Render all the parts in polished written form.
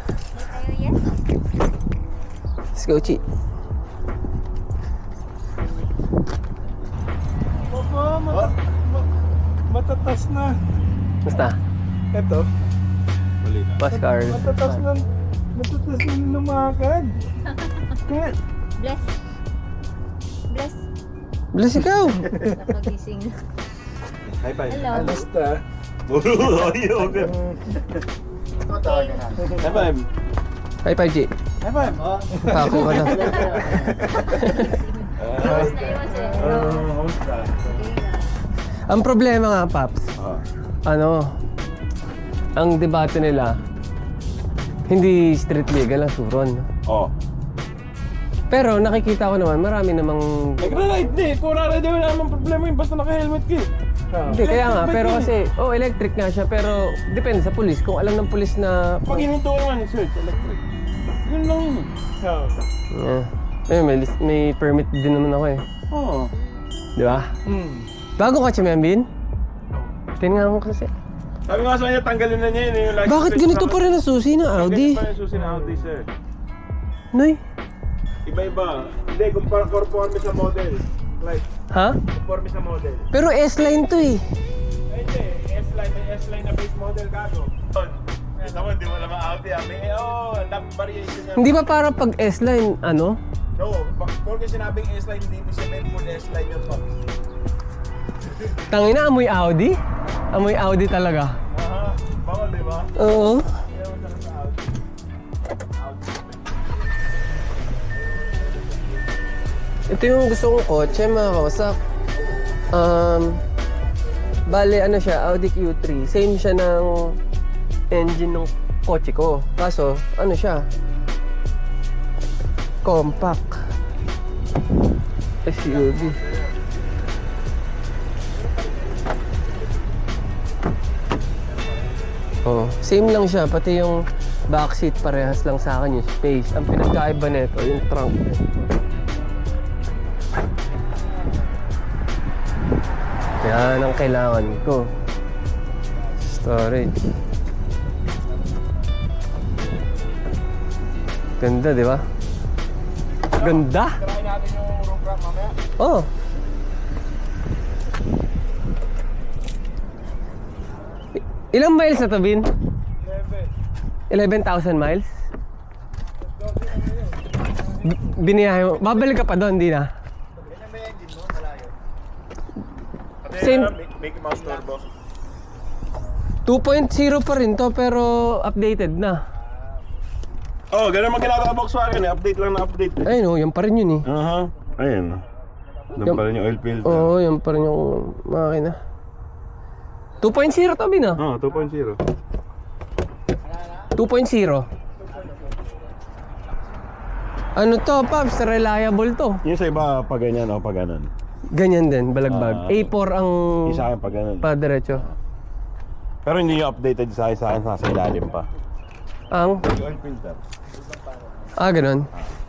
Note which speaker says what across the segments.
Speaker 1: Let's go, Chi.
Speaker 2: Papa, matatas na.
Speaker 1: Basta.
Speaker 2: Ito.
Speaker 1: Bosscar.
Speaker 2: Matatas na lumakad. Kaya,
Speaker 3: Bless. Bless.
Speaker 1: Bless ikaw.
Speaker 3: Napagising.
Speaker 4: High five.
Speaker 3: Hello.
Speaker 2: alasta.
Speaker 4: High five.
Speaker 1: High five, Chi.
Speaker 4: High five.
Speaker 1: Kako ka na.
Speaker 3: Iwas na iwas eh.
Speaker 1: Ang problema nga, Paps, ang debate nila, hindi street legal ang suron.
Speaker 4: Oh.
Speaker 1: Pero nakikita ko naman, marami namang...
Speaker 4: Nagra-ride na eh. Kung ride wala namang problema yun. Basta naka-helmet ka eh.
Speaker 1: Hindi, kaya nga, pero kasi, electric nga siya, pero depende sa pulis. Kung alam ng pulis na...
Speaker 4: Pag hininto naman, search, electric. Yun lang yun.
Speaker 1: May permit din naman ako eh.
Speaker 4: Oo.
Speaker 1: Di ba? Bago ka, Chimembin? Tingnan mo kasi.
Speaker 4: Sabi nga sa kanya, tanggalin na niya yun. Yung license
Speaker 1: Bakit
Speaker 4: plate
Speaker 1: ganito
Speaker 4: sa-
Speaker 1: pa rin ang susi ng Audi?
Speaker 4: Ganito pa rin yung susi ng Audi, sir.
Speaker 1: Noy?
Speaker 4: Iba-iba. Hindi, conforme sa model. Like,
Speaker 1: Ha?
Speaker 4: conforme sa model.
Speaker 1: Pero S-line to eh.
Speaker 4: Ay, hindi. S-line. May S-line na base model gago. Ito mo, hindi mo naman Audi. May, ang daming variation niya.
Speaker 1: Hindi ba para pag S-line, ano?
Speaker 4: No, porque sinabing S-line, hindi mo sabihin full S-line yun, Pops.
Speaker 1: Tangina, amoy Audi? Amoy Audi talaga.
Speaker 4: Aha, bawal, di ba?
Speaker 1: Oo.
Speaker 4: Kaya mo talaga sa Audi.
Speaker 1: Ito yung gusto kong kotse, mga kawasak. Bale, ano siya, Audi Q3. Same siya ng engine ng kotse ko. Kaso, ano siya? Compact. SUV. Oh, same lang siya. Pati yung backseat parehas lang sa akin yung space. Ang pinagkaiba nito, yung trunk. Yan ang kailangan ko. Storage. Ganda, di ba? Ganda?
Speaker 4: Try natin yung roof rack mamaya.
Speaker 1: Oh. Ilang miles na to, Bin? 11,000 miles? Biniyahe mo. Babalik ka pa doon, di na?
Speaker 4: Ganyan ba yung engine mo? Malayo.
Speaker 1: Same.
Speaker 4: Mickey Mouse Turbo.
Speaker 1: 2.0 pa rin to, pero updated na.
Speaker 4: Oh, ganun man ginagawa Volkswagen eh. Update lang na update eh.
Speaker 1: Ayun, yan pa rin yun eh.
Speaker 4: Aha. Ayun. Doon pa rin yung oil filter.
Speaker 1: Oo, yan pa rin yung makina. 2.0 to, Bin, ah.
Speaker 4: Oh, 2.0.
Speaker 1: 2.0. Ano to, Pops? Reliable to.
Speaker 4: Yung sa iba, pag ganyan o pag ganun.
Speaker 1: Ganyan din, balagbag. A4 ang
Speaker 4: Isa akin pag ganun.
Speaker 1: pa-diretso.
Speaker 4: Pero hindi yung updated sa akin, nasa ilalim pa.
Speaker 1: Ang?
Speaker 4: Yung oil filter.
Speaker 1: Ganun.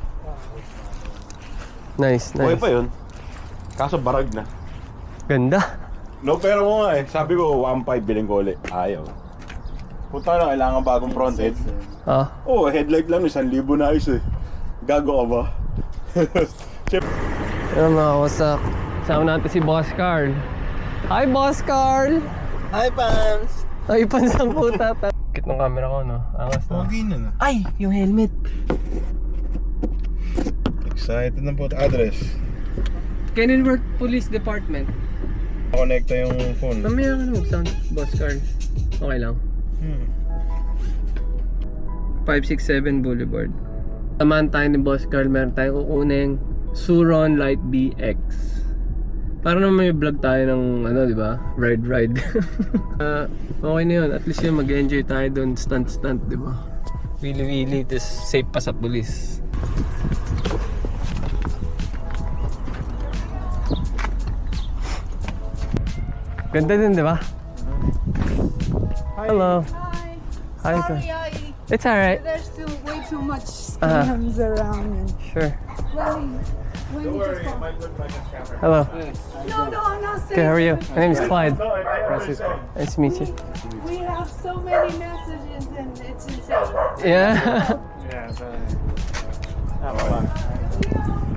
Speaker 1: Nice,
Speaker 4: Okay
Speaker 1: nice.
Speaker 4: pa yun. Kaso barag na.
Speaker 1: Ganda.
Speaker 4: No, pero mo nga eh. Sabi ko, 1.5 biling ko ulit. Ayaw. Punta na, kailangan bagong front end. Headlight lang, 1,000 na ayos eh. Gago ka ba?
Speaker 1: Ano mga kawasak. Sama natin si Boss Carl. Hi, Boss Carl!
Speaker 2: Hi, Pams!
Speaker 1: Ay, pansang puta. Kit ng camera ko, no? Angas na.
Speaker 2: Pogi na.
Speaker 1: Ay, yung helmet.
Speaker 4: Excited na po. Address.
Speaker 1: Kenilworth Police Department.
Speaker 4: Connecta yung phone.
Speaker 1: Mamaya ka na mag-sound, Boss Carl. Okay lang. 567 Boulevard. Samahan tayo ni Boss Carl. Meron tayo kukuning Suron Light BX. Para naman may vlog tayo ng ano, di ba? Ride. Okay na yun. At least yun, mag-enjoy tayo doon. Stunt, di ba? Wili-wili. Tapos safe pa sa pulis. Ganda din, di ba? Hello. Hi.
Speaker 5: Sorry,
Speaker 1: It's alright.
Speaker 5: there's way too much scams around. And,
Speaker 1: Sure.
Speaker 5: well, When you just call.
Speaker 1: Hello.
Speaker 5: No, no, I'm not saying.
Speaker 1: Good, how are you? My name is Clyde.
Speaker 2: Francisco.
Speaker 1: Nice to meet you.
Speaker 5: We have so many messages and it's insane.
Speaker 1: Yeah.
Speaker 2: Yeah, not a lot.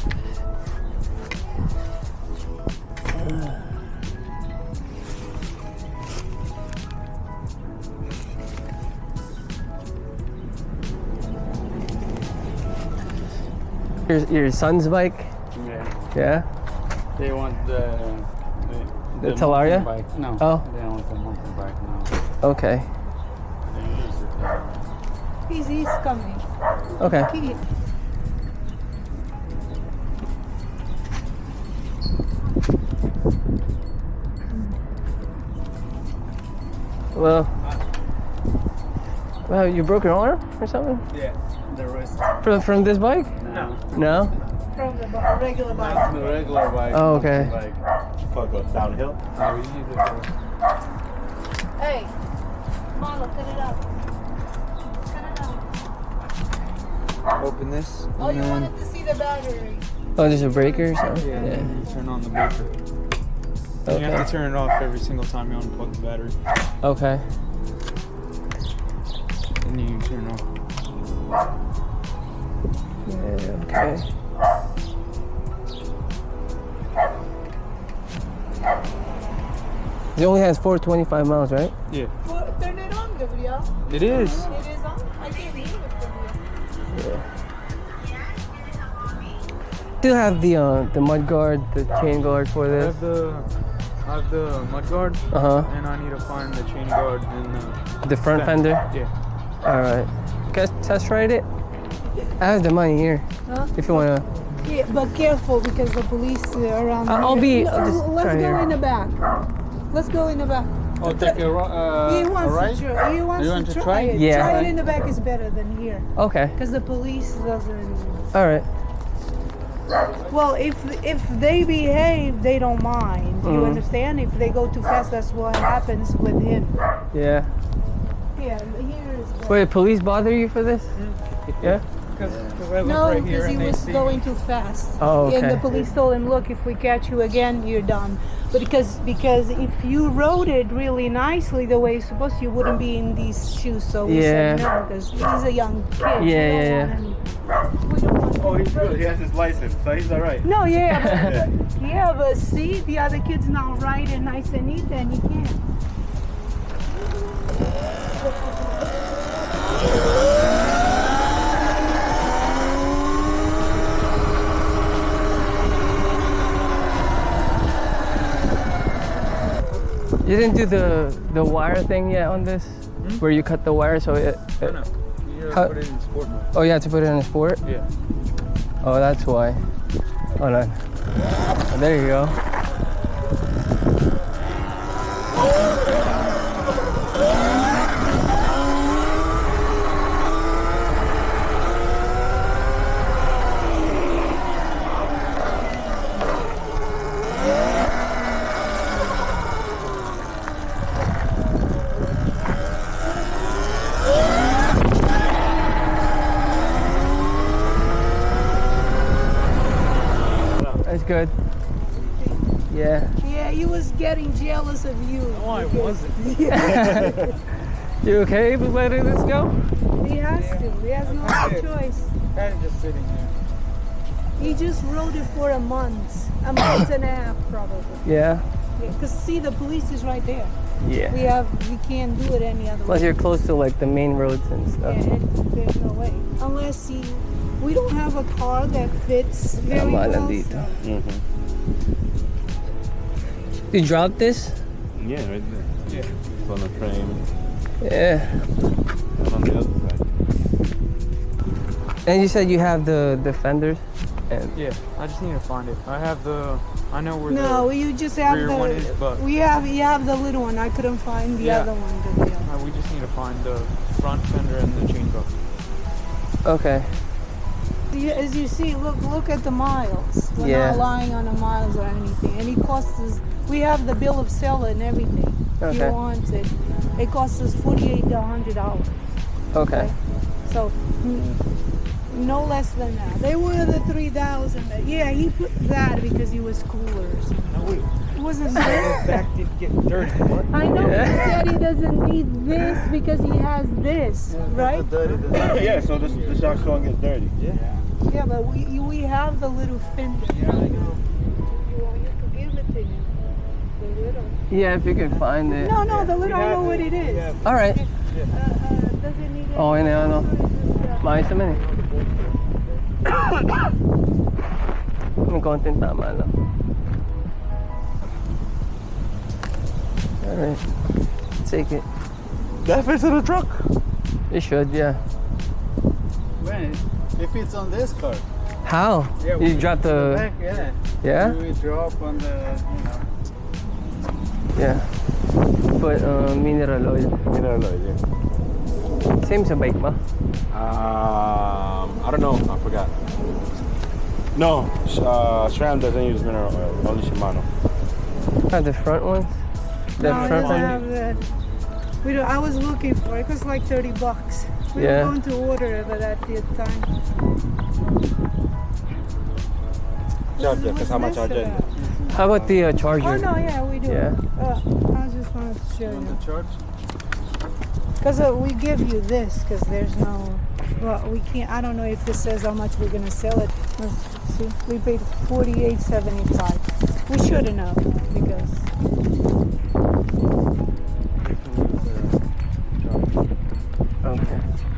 Speaker 1: Your son's bike?
Speaker 6: Yeah,
Speaker 1: Yeah.
Speaker 6: they want
Speaker 1: The Talaria?
Speaker 6: mountain bike. No,
Speaker 1: Oh.
Speaker 6: they don't want the mountain bike now.
Speaker 1: Okay.
Speaker 6: They use it.
Speaker 5: He's coming.
Speaker 1: Okay.
Speaker 5: He,
Speaker 1: Well. Well, you broke your arm or something?
Speaker 6: Yeah, the rest.
Speaker 1: From this bike?
Speaker 6: No,
Speaker 1: No?
Speaker 5: from the regular bike.
Speaker 6: not the regular bike.
Speaker 1: Oh, okay.
Speaker 6: mountain Bike.
Speaker 4: Fuck, go downhill.
Speaker 6: No, we use it for.
Speaker 5: Hey, Marlo, cut it out. Cut it out.
Speaker 6: Open this.
Speaker 5: Oh, you wanted to see the battery.
Speaker 1: Oh, there's a breaker or something?
Speaker 6: Yeah,
Speaker 1: Yeah.
Speaker 6: you turn on the breaker. You have
Speaker 1: Okay.
Speaker 6: to turn it off every single time you unplug the battery.
Speaker 1: Okay.
Speaker 6: And you turn it off.
Speaker 1: Yeah, okay. It only has 425 miles, right?
Speaker 6: Yeah.
Speaker 5: Well, turn it on, Gabriel.
Speaker 6: It is.
Speaker 5: It is on. I can't hear it from here.
Speaker 1: Still have the mud guard, the chain guard for
Speaker 6: I
Speaker 1: this.
Speaker 6: have the mud guard,
Speaker 1: Uh
Speaker 6: and I need to find the chain guard and
Speaker 1: huh. The front fender.
Speaker 6: Yeah.
Speaker 1: All right. Guys, test ride it. I have the money here.
Speaker 5: Huh?
Speaker 1: If you wanna.
Speaker 5: Yeah, but careful because the police are around.
Speaker 1: I'll
Speaker 5: here.
Speaker 1: be- I'll just
Speaker 5: Let's
Speaker 1: try
Speaker 5: go
Speaker 1: here.
Speaker 5: in the back. Let's go in the back.
Speaker 6: Oh, take a
Speaker 5: He wants to try. He wants
Speaker 6: You want
Speaker 5: to
Speaker 6: to
Speaker 5: try
Speaker 6: try?
Speaker 5: it.
Speaker 1: Yeah.
Speaker 5: Try it in the back is better than here
Speaker 1: Okay.
Speaker 5: because the police doesn't.
Speaker 1: All right.
Speaker 5: Well, if they behave, they don't mind. You
Speaker 1: Mhm.
Speaker 5: understand? If they go too fast, that's what happens with him.
Speaker 1: Yeah.
Speaker 5: Yeah, here is. better.
Speaker 1: Wait, police bother you for this? Yeah.
Speaker 6: Because I live
Speaker 5: No,
Speaker 6: right here
Speaker 5: because he
Speaker 6: and they
Speaker 5: was
Speaker 6: see
Speaker 5: going too fast.
Speaker 1: Oh,
Speaker 5: And the
Speaker 1: okay.
Speaker 5: police told him, "Look, if we catch you again, you're done." But because if you rode it really nicely the way you're supposed to, you wouldn't be in these shoes. So we said
Speaker 1: Yeah.
Speaker 5: no, because he's a young kid. We
Speaker 1: Yeah,
Speaker 5: don't
Speaker 1: yeah,
Speaker 5: want him- we don't want
Speaker 4: Oh,
Speaker 5: him
Speaker 4: he's
Speaker 5: to
Speaker 4: good.
Speaker 5: break.
Speaker 4: He has his license, so he's alright.
Speaker 5: No, yeah, but see, the other kid's not right and nice and neat, and he can't.
Speaker 1: You didn't do the wire thing yet on this, where you cut the wire so it.
Speaker 6: No, no. You
Speaker 1: How-
Speaker 6: put it in sport mode.
Speaker 1: Oh, you had to put it in a sport.
Speaker 6: Yeah.
Speaker 1: Oh, that's why. Hold on. Oh, there you go. That's good. Yeah.
Speaker 5: Yeah, he was getting jealous of you.
Speaker 6: No, I
Speaker 5: because-
Speaker 6: wasn't.
Speaker 5: Yeah,
Speaker 1: You okay with letting this go?
Speaker 5: he has to. He has no other choice.
Speaker 6: Kind of just sitting here.
Speaker 5: He just rode it for a month and a half probably.
Speaker 1: Yeah.
Speaker 5: Because see, the police is right there.
Speaker 1: Yeah.
Speaker 5: We can't do it any other
Speaker 1: Plus
Speaker 5: way.
Speaker 1: you're close to like the main roads and
Speaker 5: Yeah,
Speaker 1: stuff.
Speaker 5: there's no way. Unless we don't have a car that fits very
Speaker 1: Tama
Speaker 5: well.
Speaker 1: lang dito.
Speaker 5: so-
Speaker 1: You dropped this?
Speaker 4: Yeah, right there.
Speaker 6: Yeah.
Speaker 4: It's on the frame.
Speaker 1: Yeah.
Speaker 4: And on the other side.
Speaker 1: And you said you have the fenders? And
Speaker 6: Yeah, I just need to find it. I know where
Speaker 5: No, you just have
Speaker 6: rear one is, but-
Speaker 5: you have the little one. I couldn't find the
Speaker 6: Yeah.
Speaker 5: other one. Gabriel.
Speaker 6: we just need to find the front fender and the chain guard.
Speaker 1: okay.
Speaker 5: As you see, look at the miles. We're
Speaker 1: Yeah.
Speaker 5: not lying on the miles or anything. And it costs us. We have the bill of sale and everything. If
Speaker 1: Okay.
Speaker 5: you want it, it costs us $48 to $100.
Speaker 1: Okay.
Speaker 5: So No less than that. They were the 3,000. Yeah, he put that because he was cooler or something.
Speaker 6: No, wait.
Speaker 5: It wasn't this.
Speaker 6: Back didn't get dirty. What?
Speaker 5: I know
Speaker 1: Yeah.
Speaker 5: he said he doesn't need this because he has this, right?
Speaker 4: Yeah, so this socks won't get dirty.
Speaker 5: Yeah, but we have the little fender.
Speaker 6: Yeah, I know.
Speaker 5: You want you to give it to him. The little.
Speaker 1: Yeah, if you can find it.
Speaker 5: No, the little. I know what it is.
Speaker 1: All right.
Speaker 5: Does it need it?
Speaker 1: Okay na yan, ano. Maayos naman eh. May konting tama lang. Alright. Take it.
Speaker 2: That fits in the truck.
Speaker 1: You should, yeah.
Speaker 2: When? If it's on this car.
Speaker 1: How?
Speaker 2: Yeah,
Speaker 1: You dropped the...
Speaker 2: Back, yeah.
Speaker 1: Yeah?
Speaker 2: We drop on the,
Speaker 1: Yeah. Put mineral oil.
Speaker 4: Mineral oil, yeah.
Speaker 1: Same sa bike ba?
Speaker 4: I don't know. I forgot. No, SRAM doesn't use mineral oil. Only Shimano.
Speaker 1: The front ones? The
Speaker 5: No, it
Speaker 1: front
Speaker 5: doesn't
Speaker 1: one?
Speaker 5: have that. I was looking for it. It was like $30. We
Speaker 1: Yeah.
Speaker 5: were going to order it, but at the time.
Speaker 4: Charger,
Speaker 5: What's
Speaker 4: kasama
Speaker 5: this
Speaker 4: charger.
Speaker 5: about?
Speaker 1: How about the charger?
Speaker 5: Oh no, yeah, we do.
Speaker 1: Yeah.
Speaker 5: I just wanted to show
Speaker 2: on the
Speaker 5: you.
Speaker 2: charge.
Speaker 5: Because we give you this, because there's no, well, we can't, I don't know if this says how much we're going to sell it. Let's see, we paid $48.75. We shouldn't have, because,
Speaker 1: Okay.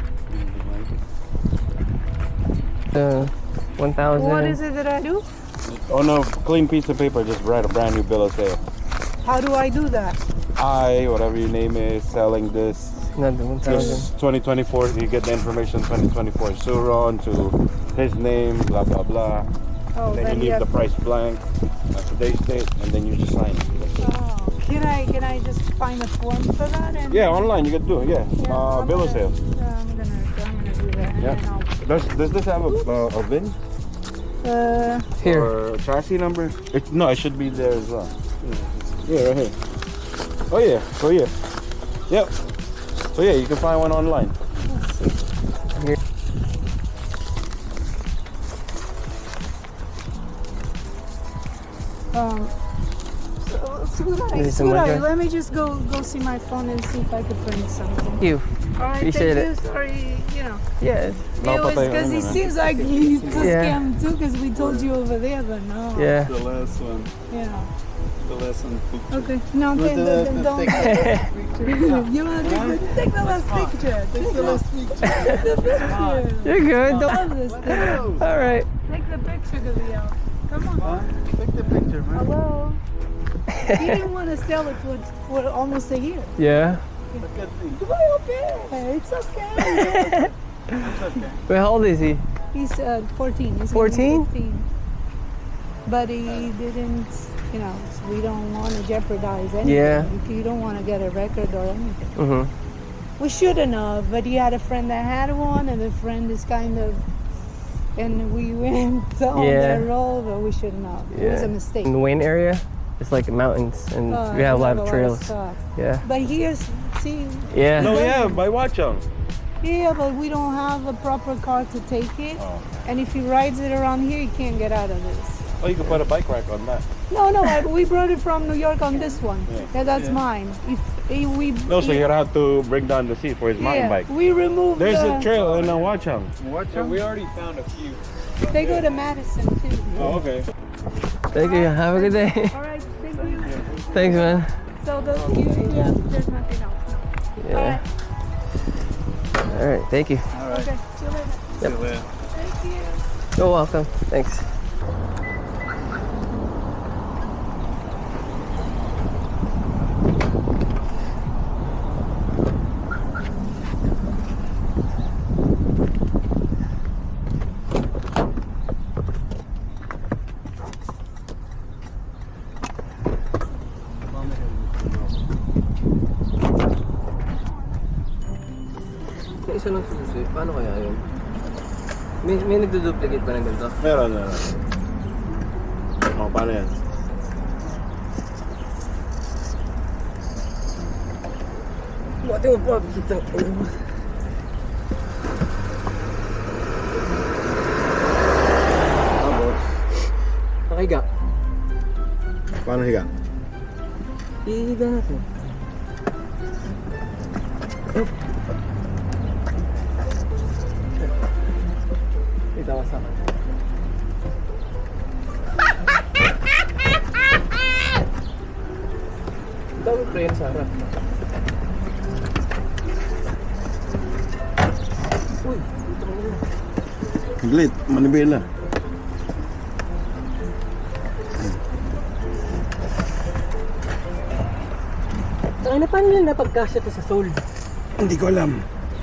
Speaker 1: The 1,000.
Speaker 5: what is it that I do?
Speaker 4: On a clean piece of paper, just write a brand new bill of sale.
Speaker 5: How do I do that?
Speaker 4: Whatever your name is, selling this.
Speaker 1: Not the 1,000.
Speaker 4: This 2024, you get the information 2024 Suron to his name, blah blah blah.
Speaker 5: Oh,
Speaker 4: Then you
Speaker 5: then
Speaker 4: leave
Speaker 5: you
Speaker 4: the
Speaker 5: have,
Speaker 4: price blank, today's date, and then you just sign it. That's it.
Speaker 5: oh, can I just find a form for that? And,
Speaker 4: Yeah, online you can do it. Yeah,
Speaker 5: Yeah, I'm
Speaker 4: bill of
Speaker 5: gonna-
Speaker 4: sale.
Speaker 5: Yeah, I'm gonna do that. And
Speaker 4: Yeah. Does this have a VIN
Speaker 5: then
Speaker 1: Here.
Speaker 4: or a chassis number? No, it should be there as well. Yeah, right here. Oh yeah. So yeah. Yep. So yeah, you can find one online.
Speaker 1: This is some
Speaker 5: Sweetheart,
Speaker 1: liquor.
Speaker 5: let me just go see my phone and see if I could print something.
Speaker 1: Thank you.
Speaker 5: All right,
Speaker 1: Appreciate
Speaker 5: thank
Speaker 1: it.
Speaker 5: you. Sorry, you know.
Speaker 1: Yes.
Speaker 5: It was because he seems like he's a
Speaker 1: Yeah.
Speaker 5: scam too, because we told you over there, but no.
Speaker 1: Yeah.
Speaker 2: The last one.
Speaker 5: Yeah.
Speaker 2: The last one.
Speaker 5: Okay. No,
Speaker 2: With
Speaker 5: okay,
Speaker 2: the-
Speaker 5: then
Speaker 2: the
Speaker 5: don't. You want to take the last picture? Take the last picture. Take the picture.
Speaker 1: You're good.
Speaker 5: I love this thing.
Speaker 1: All right.
Speaker 5: Take the picture, Gabriel. Come on.
Speaker 2: Huh? Take the picture, man.
Speaker 5: Hello. He didn't want to sell it for almost a year.
Speaker 1: Yeah.
Speaker 2: Look at me.
Speaker 5: It's okay.
Speaker 2: It's okay.
Speaker 1: Wait, how old is he?
Speaker 5: He's 14. He's
Speaker 1: 14?
Speaker 5: 15. But he didn't, you know, we don't want to jeopardize anything.
Speaker 1: Yeah.
Speaker 5: You don't want to get a record or anything.
Speaker 1: Mm-hmm.
Speaker 5: We shouldn't have, but he had a friend that had one, and the friend is kind of, and we went on
Speaker 1: Yeah.
Speaker 5: that road, but we shouldn't have. It was a mistake.
Speaker 1: In the Wayne area, it's like mountains, and
Speaker 5: Oh,
Speaker 1: we have a lot of trails.
Speaker 5: stuff.
Speaker 1: Yeah.
Speaker 5: But here's, see,
Speaker 1: Yeah.
Speaker 4: No, yeah, by Watchung.
Speaker 5: yeah, but we don't have a proper car to take it.
Speaker 4: Oh.
Speaker 5: And if he rides it around here, he can't get out of this.
Speaker 4: Oh, you can put a bike rack on that.
Speaker 5: No, we brought it from New York on this one. Yeah, that's mine. If we
Speaker 4: No, so you'd have to bring down the seat for his mountain bike.
Speaker 5: we removed
Speaker 4: There's
Speaker 5: the,
Speaker 4: a trail in Watchung.
Speaker 2: Watch
Speaker 6: Yeah,
Speaker 2: out.
Speaker 6: we already found a few.
Speaker 5: They go to Madison too.
Speaker 4: Oh, okay.
Speaker 1: Thank you. Have a good day.
Speaker 5: All right, thank you.
Speaker 1: Thanks, man.
Speaker 5: So there's nothing else. No.
Speaker 1: Yeah. All right. Thank you.
Speaker 2: All right.
Speaker 5: Okay, see you later.
Speaker 2: See you later.
Speaker 5: Thank you.
Speaker 1: You're welcome. Thanks. Isa ng susi. Paano kaya yun? May nagduduplicate ba ng ganito?
Speaker 4: Meron. Oh, paano yan?
Speaker 1: Buti mo pa, kitang
Speaker 4: Paano higa?
Speaker 1: Ihiga natin. Ito ka sa akin. Dami prayer sa harap. Uy, ito mo.
Speaker 4: Higlit, manibela.
Speaker 1: Saka na paano nila napagkasya to sa soul?
Speaker 4: Hindi ko alam.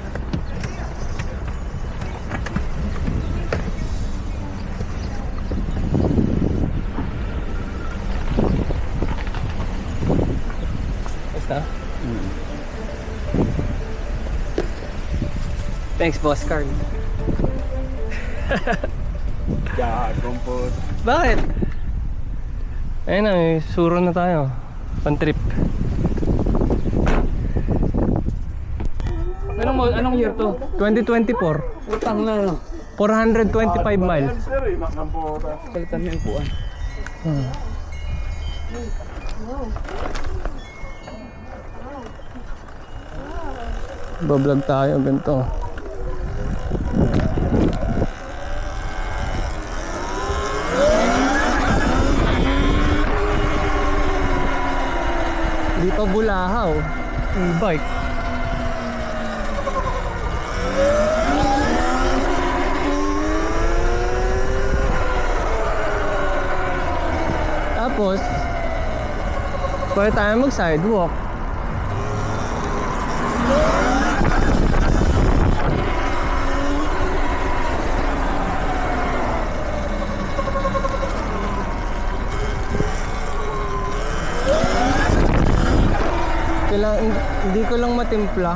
Speaker 1: Basta? Thanks, Boss Carl.
Speaker 4: Gagong po.
Speaker 1: Bakit? Ayun na, may suro na tayo. Pan-trip. Anong year to? 2024.
Speaker 6: Utang na, no?
Speaker 1: 425 miles.
Speaker 4: Sir, nakampota.
Speaker 6: Palitan mo yung puan.
Speaker 1: Bablog tayo, ganito. Di pa bulahaw. E-bike. Tapos, pwede tayo mag-sidewalk. Hindi ko lang matimpla.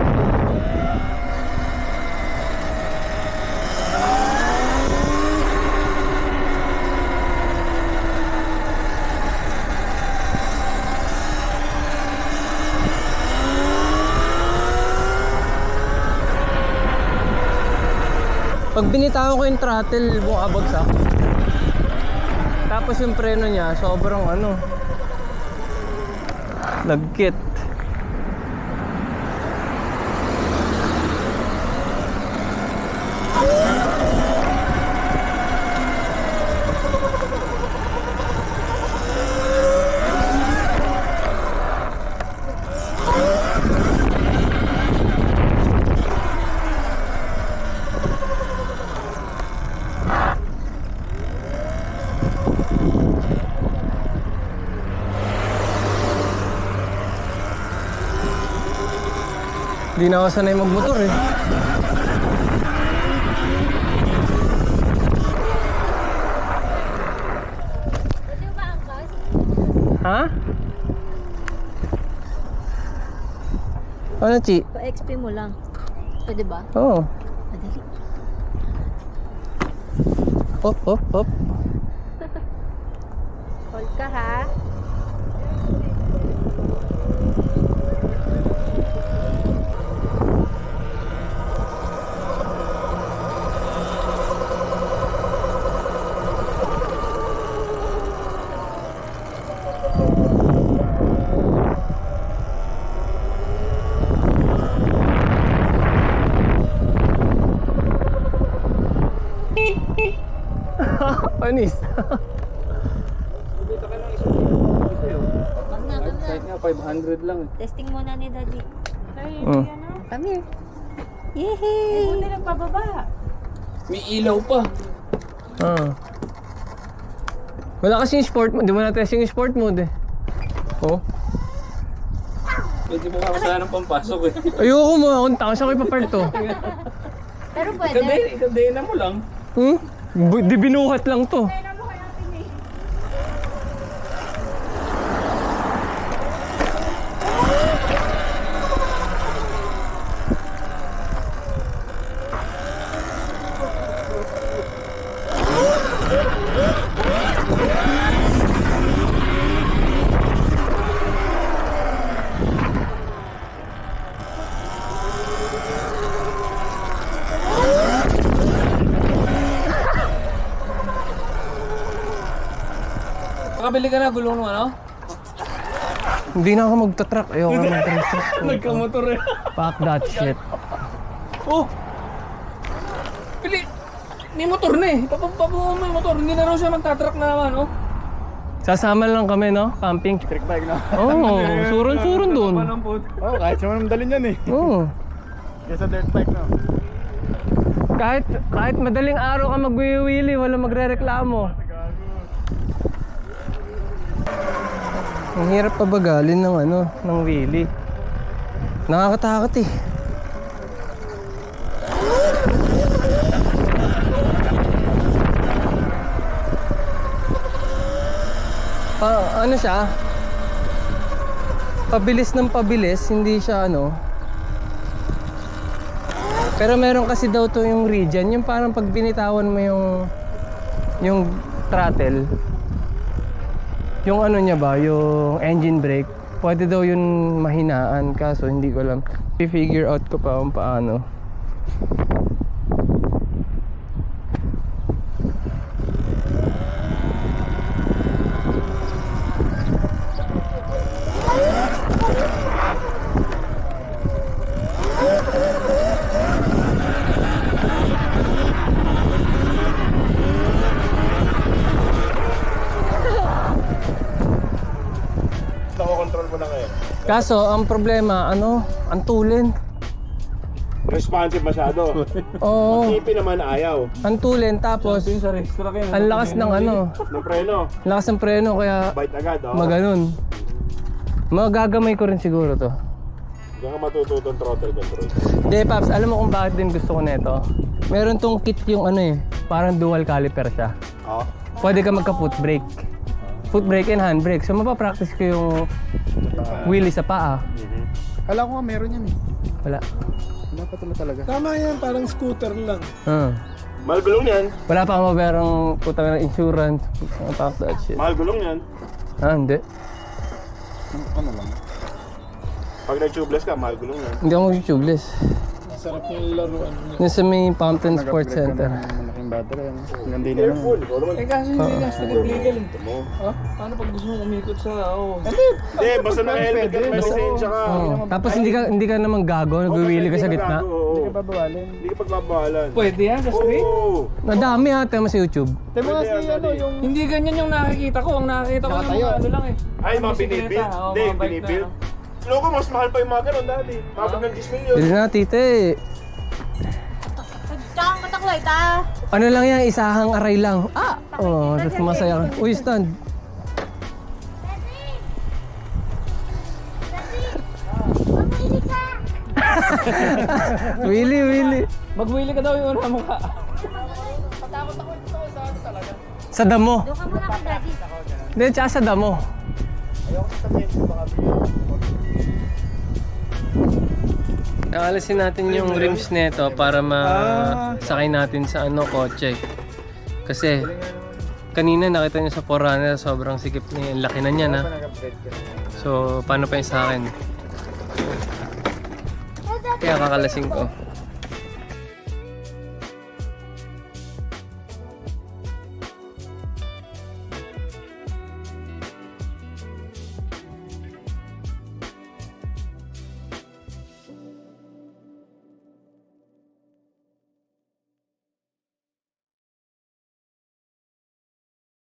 Speaker 1: Pag binitawan ko yung throttle, bumabagsak. Tapos yung preno niya, sobrang lagkit. Hindi na ako sanay magmotor eh.
Speaker 3: Pwede ba angkas?
Speaker 1: Ha? Ano, Chi?
Speaker 3: Pa-XP mo lang. Pwede ba?
Speaker 1: Oo.
Speaker 3: Madali.
Speaker 1: Hop, hop, hop.
Speaker 3: Hold ka ha.
Speaker 1: Panis.
Speaker 6: Dito ka lang isang sa'yo.
Speaker 3: Wag na, come na.
Speaker 6: Kahit nga 500 lang eh.
Speaker 3: Testing muna ni Daddy.
Speaker 1: Oh.
Speaker 3: Come here. Yehey! Buti nagpababa.
Speaker 6: May ilaw pa.
Speaker 1: Ah. Wala kasi yung sport mode. Di mo na-testing yung sport mode eh. Oh.
Speaker 6: Pwede mo ka sana ng pampasok eh.
Speaker 1: Ayoko mo. Akong tao. Saan ko ipapark to?
Speaker 3: Pero pwede.
Speaker 6: Ikadena mo lang.
Speaker 1: Di binuhat lang to. Nakabili ka na gulong ng ano? Hindi na ako magta-truck. Ayoko na magta-truck. Nagkamotor eh. Fuck that shit. Oh! Pili! May motor na eh. Papabuo mo yung motor. Hindi na raw siya magta-truck na naman, oh. Sasama lang kami, no? Camping.
Speaker 2: Trick bike na.
Speaker 1: Oo, suron-suron dun.
Speaker 2: Oh, kahit siya man dalhin yan eh.
Speaker 1: Oo.
Speaker 2: Kesa dirt bike na.
Speaker 1: Kahit madaling araw ka mag-wheelie, wala magre-reklamo. Ang hirap pabagalin ng ng wheelie. Nakakatakot eh. Ano siya? Pabilis ng pabilis, hindi siya Pero meron kasi daw to yung regen, yung parang pag binitawan mo yung throttle, yung niya ba, yung engine brake, pwede daw yun mahinaan, kaso hindi ko alam. I-figure out ko pa kung paano.
Speaker 4: Nako-control mo na ngayon.
Speaker 1: Kaso, ang problema, ang tulin.
Speaker 4: Responsive masyado.
Speaker 1: Oo,
Speaker 4: Tipi naman ayaw.
Speaker 1: ang tulin, tapos ang lakas ng
Speaker 4: Ng preno.
Speaker 1: lakas ng preno, kaya
Speaker 4: Bite agad, oh.
Speaker 1: maganon. Magagamay ko rin siguro to.
Speaker 4: Diyan ka matututong throttle control.
Speaker 1: Hindi, Paps, alam mo kung bakit din gusto ko nito? Meron tong kit yung parang dual caliper siya.
Speaker 4: Oh.
Speaker 1: Pwede ka magka-foot brake. Foot brake and hand brake. So mapapractice ko yung wheelie sa paa.
Speaker 2: Kala ko nga meron yan eh.
Speaker 1: Wala.
Speaker 2: Wala pa talaga.
Speaker 7: Tama yan, parang scooter lang.
Speaker 4: Mahal gulong yan.
Speaker 1: Wala pa ako maberang puta ng insurance. Fuck that shit.
Speaker 4: Mahal gulong yan.
Speaker 1: Hindi.
Speaker 2: Ano lang?
Speaker 4: Pag nag-tubeless ka, mahal gulong yan.
Speaker 1: Hindi ako mag-tubeless.
Speaker 7: Sarap yung laruan niya.
Speaker 1: Yung sa may Fountain Sports Center.
Speaker 2: Malaking battery ano. Hanggang din
Speaker 4: Careful. Ikaw naman.
Speaker 7: Eh kasi hindi hashtag legal eh.
Speaker 4: Mo.
Speaker 7: Paano pag gusto mo umikot sa
Speaker 4: Hindi, basta naka-helmet ka, may lisensya ka.
Speaker 1: Tapos hindi ka naman gago, nagwiwili ka sa gitna.
Speaker 4: Hindi ka
Speaker 2: babawalin.
Speaker 4: Hindi ka pagbabawalan.
Speaker 7: Pwede yan sa street?
Speaker 4: Oo.
Speaker 1: Madami ha, tema sa YouTube.
Speaker 2: Tayo mga si yung...
Speaker 7: Hindi ganyan yung nakikita ko. Ang nakikita ko ng mga lang eh.
Speaker 4: Ay, mga
Speaker 7: bisikleta,
Speaker 4: binibuild.
Speaker 7: oo,
Speaker 4: Hindi,
Speaker 7: mga bike na,
Speaker 4: binibuild. Loko, mas mahal pa yung mga ganun dati. Tapos ng 10 million.
Speaker 1: Bili na, tite.
Speaker 3: Tsaka mataklay, ta.
Speaker 1: Ano lang yan, isahang aray lang. Oh, tapos masaya ka. Uy, stand. Willy.
Speaker 7: Mag-wheelie ka daw yung una mo ka.
Speaker 1: Sa damo.
Speaker 3: Doon ka muna kay Daddy.
Speaker 1: Hindi, tsaka sa damo. Nakalasin natin yung rims nito para masakay natin sa kotse. Kasi kanina nakita nyo sa Forerunner, sobrang sikip niya. Ang laki na niya na. So, paano pa yung sa akin? Kaya kakalasing ko.